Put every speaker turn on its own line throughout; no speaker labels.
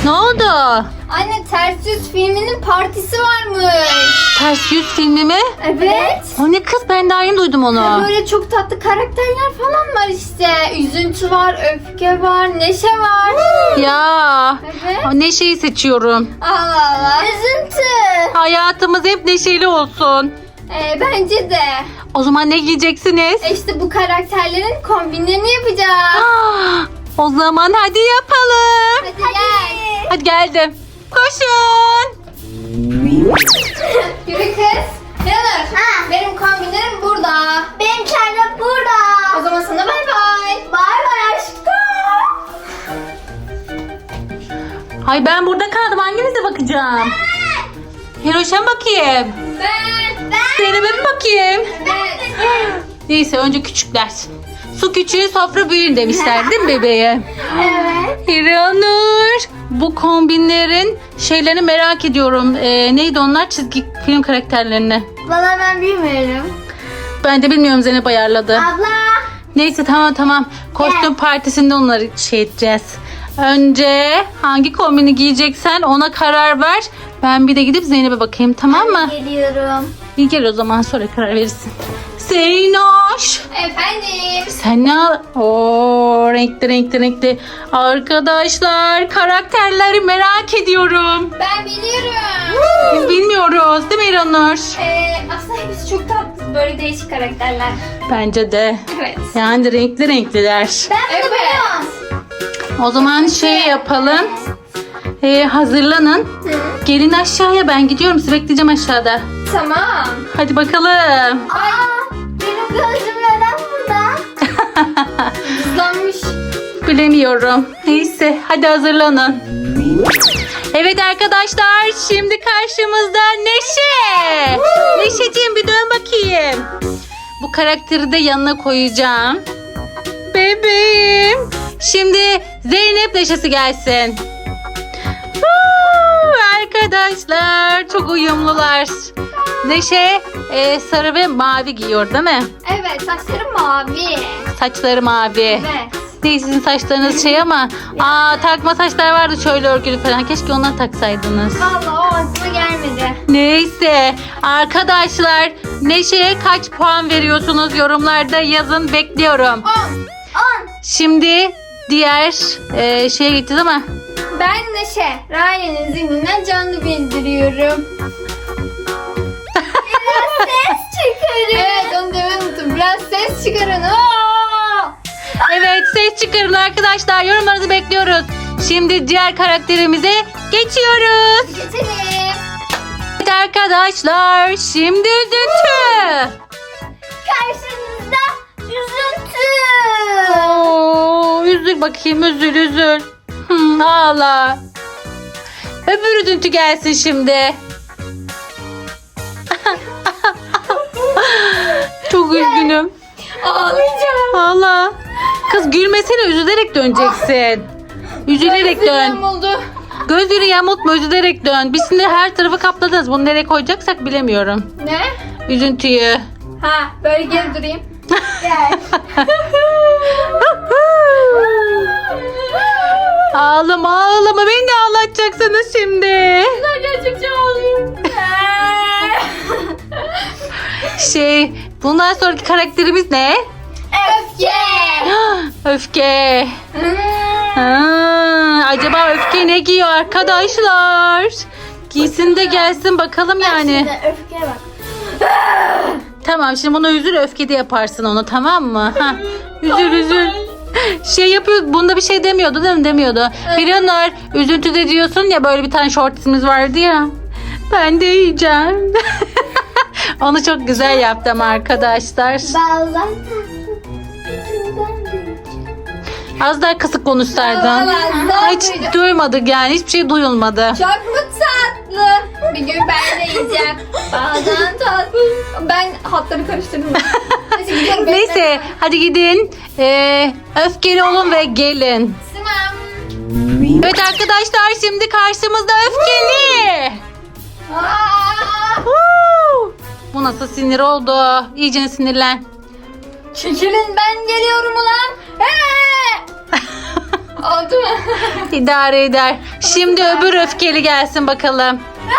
Ne oldu?
Anne Ters Yüz filminin partisi varmış.
Ters Yüz filmi mi?
Evet.
O ne kız, ben daha yeni duydum onu.
Böyle çok tatlı karakterler falan var işte. Üzüntü var, öfke var, neşe var.
Ya
Evet.
Neşe'yi seçiyorum.
Allah Allah. Üzüntü.
Hayatımız hep neşeli olsun.
Bence de.
O zaman ne giyeceksiniz?
İşte bu karakterlerin kombinlerini yapacağız.
Ah, o zaman hadi yapalım.
Hadi gel.
Hadi geldim. Koşun.
Yürü kız. Yanır. Benim kombinlerim burada. Benimkiler de burada. O zaman sana bay bay. Bay bay aşkım.
Hay ben burada kaldım. Hanginize bakacağım? Hiroş'a mı bakayım?
Ben.
Zeynep'e mi bakayım?
Evet.
Neyse önce küçükler. Su küçüğü sofra büyüğün demişler değil mi bebeğe?
Evet.
Hiranur. Bu kombinlerin şeylerini merak ediyorum. Neydi onlar? Çizgi film karakterlerini.
Valla ben bilmiyorum.
Ben de bilmiyorum, Zeynep ayarladı.
Abla.
Neyse tamam. Kostüm partisinde onları şey edeceğiz. Önce hangi kombini giyeceksen ona karar ver. Ben bir de gidip Zeynep'e bakayım, tamam mı?
Geliyorum.
İyi, gel o zaman, sonra karar verirsin. Zeynoş.
Efendim.
Sen ne al? Oo, renkli. Arkadaşlar, karakterleri merak ediyorum.
Ben biliyorum.
Biz bilmiyoruz değil mi İranur?
Aslında hepsi çok tatlı. Böyle değişik karakterler.
Bence de.
Evet.
Yani renkliler.
Ben bunu biliyorum.
O zaman şey yapalım. Hazırlanın. Gelin aşağıya, ben gidiyorum. Sizi bekleyeceğim aşağıda.
Tamam.
Hadi bakalım.
Benim gözüm neden burada? Hızlanmış.
Bilemiyorum. Neyse hadi hazırlanın. Evet arkadaşlar, şimdi karşımızda Neşe. Neşeciğim bir dön bakayım. Bu karakteri de yanına koyacağım. Bebeğim. Şimdi Zeynep Neşesi gelsin. Arkadaşlar çok uyumlular. Neşe sarı ve mavi giyiyor değil mi?
Evet, saçlarım mavi.
Saçları mavi.
Evet.
Değil, sizin saçlarınız şey ama takma saçlar vardı şöyle örgülü falan. Keşke onları taksaydınız.
Vallahi o aklıma gelmedi.
Neyse arkadaşlar, Neşe'ye kaç puan veriyorsunuz yorumlarda yazın, bekliyorum.
10.
Şimdi diğer şeye gideceğiz ama
Ben Neşe. Ryan'ın zihninden canlı bildiriyorum. Biraz ses çıkarın. Evet, onu demeyi unuttum. Biraz ses çıkarın.
evet, ses çıkarın arkadaşlar, yorumlarınızı bekliyoruz. Şimdi diğer karakterimize geçiyoruz.
Geçelim.
Evet arkadaşlar, şimdi üzüntü.
Karşınızda üzüntü.
Üzül bakayım, üzül. Ağla. Öbür üzüntü gelsin şimdi. Çok üzgünüm.
Ağlayacağım.
Ağla. Kız gülmesene, üzülerek döneceksin. Üzülerek dön.
oldu.
Gözleri yamultma, üzülerek dön. Biz şimdi her tarafı kapladınız. Bunu nereye koyacaksak bilemiyorum.
Ne?
Üzüntüyü.
Ha, böyle geri durayım. Gel.
Ağlama, beni de ağlatacaksınız şimdi.
Ben gerçekten ağlıyorum.
Bundan sonraki karakterimiz ne?
Öfke.
Öfke. Acaba Öfke ne giyiyor arkadaşlar? Giysin de gelsin bakalım yani.
Şimdi öfkeye bak.
Tamam, şimdi bunu üzül, Öfke de yaparsın onu, tamam mı? Üzül. Şey yapıyor, bunda bir şey demiyordu değil mi? Demiyordu. Hiranur, üzüntüde diyorsun ya, böyle bir tane shortsimiz vardı ya. Ben de yiyeceğim. Onu çok güzel yaptım arkadaşlar.
Baldan
Az daha kısık konuşsaydın.
Vallahi
Hiç duymadık yani, hiçbir şey duyulmadı.
Çok mu tatlı? Bir gün ben de yiyeceğim. Bazen tatlı. Ben hatları karıştırdım. Neyse gidiyorum.
Neyse hadi gidin. Öfkeli olun ve gelin.
Tamam.
Evet arkadaşlar, şimdi karşımızda Öfkeli. Bu nasıl sinir oldu? İyice sinirlen.
Çekilin, ben geliyorum ulan. Oldu mu?
İdare eder. Şimdi öbür öfkeli gelsin bakalım.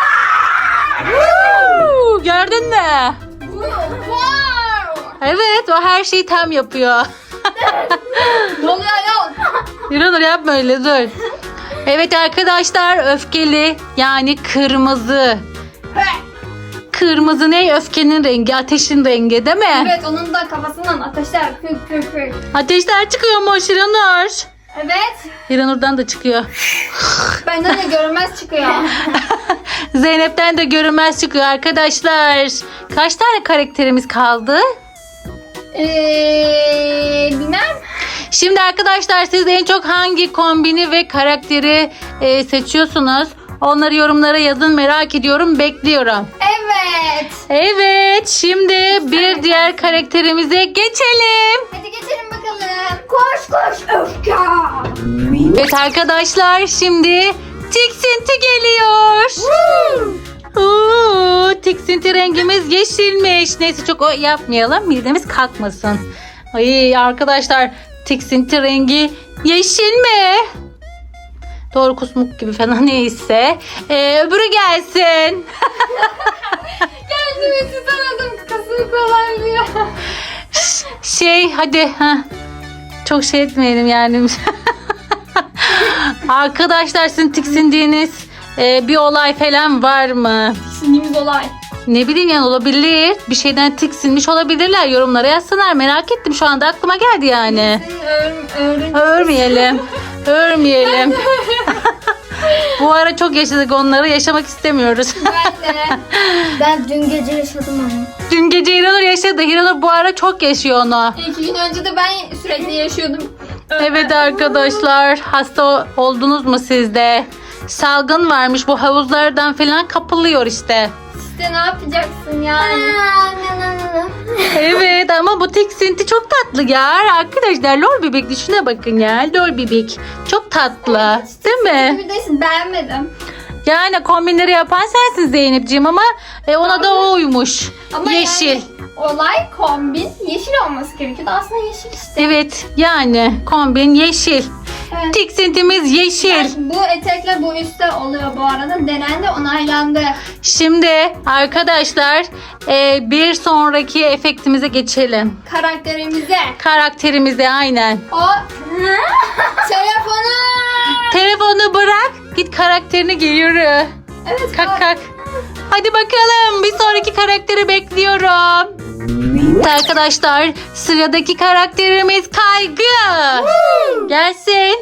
Gördün mü?
Wow.
Evet, o her şeyi tam yapıyor.
Ne oluyor ayol?
Yürü yapma öyle, dur. Evet arkadaşlar, öfkeli yani kırmızı. Kırmızı ne? Öfkenin rengi, ateşin rengi değil mi?
Evet, onun da kafasından ateşler fık fık fık.
Ateşler çıkıyor mu Hiranur?
Evet.
Hiranur'dan da çıkıyor.
Benden de görünmez çıkıyor.
Zeynep'ten de görünmez çıkıyor arkadaşlar. Kaç tane karakterimiz kaldı?
Bilmem.
Şimdi arkadaşlar, siz en çok hangi kombini ve karakteri seçiyorsunuz? Onları yorumlara yazın, merak ediyorum, bekliyorum.
Evet.
Evet, şimdi bir diğer karakterimize geçelim.
Hadi geçelim bakalım. Koş koş öfke.
Evet arkadaşlar, şimdi tiksinti geliyor. Tiksinti rengimiz yeşilmiş. Neyse, çok o yapmayalım, midemiz kalkmasın. Ay arkadaşlar, tiksinti rengi yeşil mi? Doğru, kusmuk gibi falan, neyse. Öbürü gelsin.
Geldim ve tutamadım. Kasımı kolaylıyor.
Hadi. Çok şey etmeyelim yani. Arkadaşlar, sizin tiksindiğiniz bir olay falan var mı?
Tiksindiğimiz olay.
Ne bileyim yani, olabilir. Bir şeyden tiksinmiş olabilirler. Yorumlara yazsınlar. Merak ettim, şu anda aklıma geldi yani. Örmeyelim. Örmeyelim. Bu ara çok yaşadık onları. Yaşamak istemiyoruz.
Ben de. Ben dün gece yaşadım onu.
Dün gece Hiranur yaşadı. Hiranur bu ara çok yaşıyor onu.
2 gün önce de ben sürekli yaşıyordum.
Evet arkadaşlar, hasta oldunuz mu siz de? Salgın varmış, bu havuzlardan falan kapılıyor işte.
İşte ne yapacaksın yani?
Evet, ama bu tiksinti çok tatlı ya. Arkadaşlar, lol bebek, düşüne bakın ya. Lol bebek çok tatlı, değil mi?
Bir de beğenmedim.
Yani kombinleri yapan sensin Zeynepciğim, ama ona da o uymuş.
Ama
Yeşil.
yani olay kombin yeşil olması gerekiyordu. Aslında yeşil işte.
Evet, yani kombin yeşil.
Evet.
Tiksintimiz yeşil.
Yani bu etekle bu üstte oluyor bu arada. Denendi, onaylandı.
Şimdi arkadaşlar, bir sonraki efektimize geçelim.
Karakterimize.
Karakterimize, aynen.
O telefonu.
Telefonu bırak, git karakterini giy, yürü.
Evet.
Kalk kalk. Hadi bakalım, bir sonraki karakteri bekliyorum. Evet arkadaşlar, sıradaki karakterimiz Kaygı. Gelsin.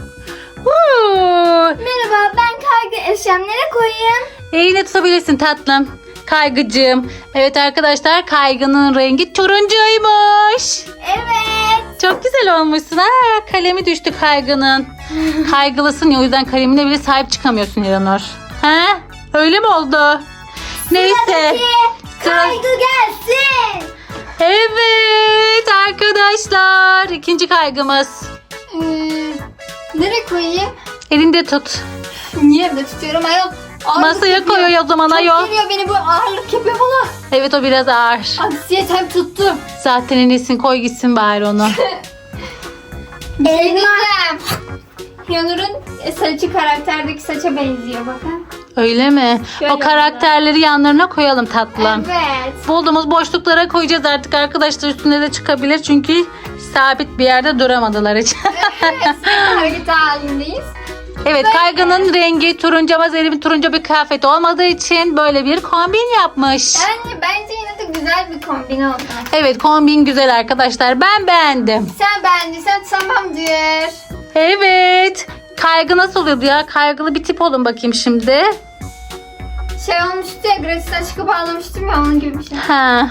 Merhaba, ben Kaygı. Eşyam nereye koyayım?
Eline tutabilirsin tatlım. Kaygıcığım. Evet arkadaşlar, Kaygı'nın rengi turuncuymuş.
Evet.
Çok güzel olmuşsun. Kalemi düştü Kaygı'nın. Kaygılısın ya, o yüzden kalemine bile sahip çıkamıyorsun Hiranur. Öyle mi oldu? Neyse.
Kaygı gelsin.
Evet arkadaşlar, ikinci kaygımız.
Nereye koyayım?
Elinde tut.
Niye evde tutuyorum ayol? Ağırlık
Masaya
yapıyor.
koyuyor o zaman
Çok
ayol.
geliyor, beni bu ağırlık yapıyor bana.
Evet, o biraz ağır.
Anksiyetem tuttu.
Zaten enesin, koy gitsin bari onu.
Elma. Yanur'un saçı karakterdeki saça benziyor bakın.
Öyle mi?
Şöyle
O karakterleri yanlarına koyalım tatlım.
Evet.
Bulduğumuz boşluklara koyacağız artık arkadaşlar, üstüne de çıkabilir çünkü sabit bir yerde duramadılar hiç.
Evet. Hareket halindeyiz.
Evet, Kaygı'nın rengi turuncu ama Zeynep'in turuncu bir kıyafet olmadığı için böyle bir kombin yapmış.
Yani bence yine de güzel bir kombin oldu.
Evet, kombin güzel arkadaşlar, ben beğendim.
Sen beğendiysen tamamdır.
Evet, Kaygı nasıl oluyordu ya? Kaygılı bir tip olun bakayım şimdi.
Şey olmuştu ya, gratis açıkı bağlamıştım ya, onun gibi bir şey.
Ha.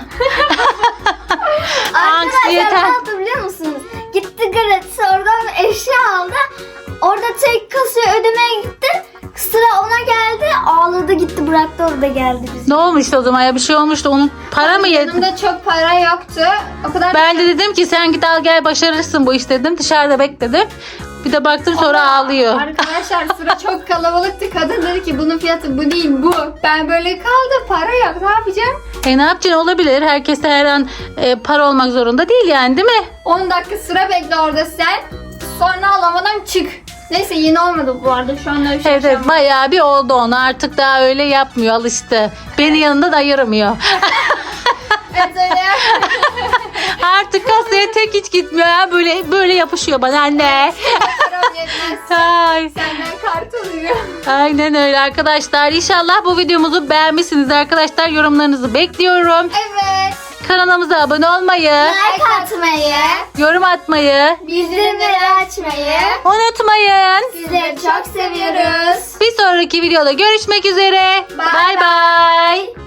Arkadaşlar ne yaptı biliyor musunuz? Gitti gratis oradan eşya aldı. Orada tek kasaya ödemeye gitti. Sıra ona geldi. Ağladı gitti, bıraktı, orada geldi bize.
Ne olmuştu o zaman ya? Bir şey olmuştu. Onun para mı yedi?
Yanımda çok para yoktu. O kadar
Ben de dedim ki sen git al gel, başarırsın bu iş dedim. Dışarıda bekledim. Bir de baktım sonra
Ama
ağlıyor.
Arkadaşlar sıra çok kalabalıktı. Kadın dedi ki bunun fiyatı bu değil bu. Ben böyle kaldı, para yok, ne yapacağım?
Ne yapacaksın, olabilir. Herkese her an para olmak zorunda değil yani, değil mi?
10 dakika sıra bekle orada sen. Sonra alamadan çık. Neyse yeni olmadı bu arada. Şu anda bir şey
Evet
yapamam.
bayağı bir oldu onu. Artık daha öyle yapmıyor, alıştı. Beni yanında da ayıramıyor.
Evet öyle.
Artık kasaya tek hiç gitmiyor ya. Böyle yapışıyor bana anne.
Param yetmez.
Ay.
Senden kart alıyor.
Aynen öyle arkadaşlar. İnşallah bu videomuzu beğenmişsiniz arkadaşlar. Yorumlarınızı bekliyorum.
Evet.
Kanalımıza abone olmayı,
Like atmayı,
yorum atmayı
bildirimleri açmayı.
unutmayın.
Sizleri çok seviyoruz.
Bir sonraki videoda görüşmek üzere.
Bye
Bay bay.